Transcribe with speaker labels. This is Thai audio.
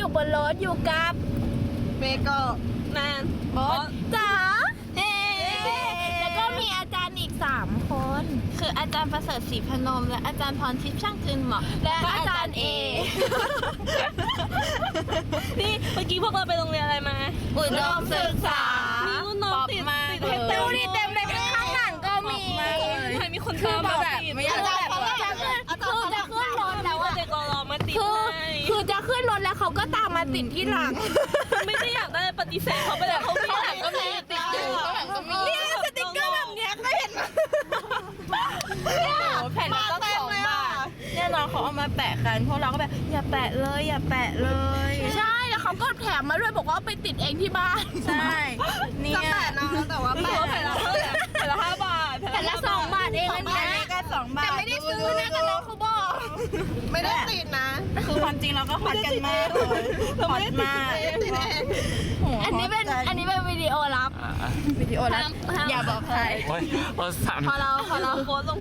Speaker 1: อยู่บนรถอยู่กับเมโกแมนโบ๊ทจ๋าแล้วก็มีอาจารย์อีก3 คนคืออาจารย์ประเสริฐศรีพนมและอาจารย์พรทิพย์ช่างคืนเหมาะและอาจารย์เอ
Speaker 2: นี่เมื่อกี้พวกเราไปโรงเรียนอะไรมา
Speaker 1: อุดมศึกษา
Speaker 2: มีรุ่นน้องติด
Speaker 1: เต็มเต็มเลยข้างหลังก็มี
Speaker 2: ใครมีคนตามมาแบบไม่อยาก
Speaker 1: จะ
Speaker 2: แบบ
Speaker 1: ขึ้นรถแล้ว
Speaker 2: ว่า
Speaker 1: อะ
Speaker 2: เด็กรอมาติด
Speaker 1: คือจะขึ้นรถแล้วเขาก็ตามมาติดที่หลัง
Speaker 2: ไม่ได้อยากได้ปฏิเสธเขาไปแล้วเขาไม่อยากก็มีติดอยู่
Speaker 1: นี่สติ๊กเกอร์แบบเนี้ยก็เห็นแผ่นละต้อง2 บาทเนี่ยน้องเขาเอามาแปะกันพวกเราก็แบบอย่าแปะเลยอย่าแปะเลยใช่แล้วเขาก็แถมมาด้วยบอกว่าไปติดเองที่บ้านใช่เนี่ยจะแปะน้องแต่ว่าแปะ
Speaker 2: แผ่นละเท่าไหร่แผ่นละ5 บาท
Speaker 1: แผ่นละ2 บาทเองอันนี้ก็2 บาทแต่ไม่ได้ซื้อนะกับน้องเขาบอกไม่ได้ติดนะคือความจริงเราก็ฮอตกันมากเลยฮอตมากอันนี้เป็นวิดีโอลับอย่าบอกใคร
Speaker 3: โอ้ยรถสั่น
Speaker 2: พอเราโพสลง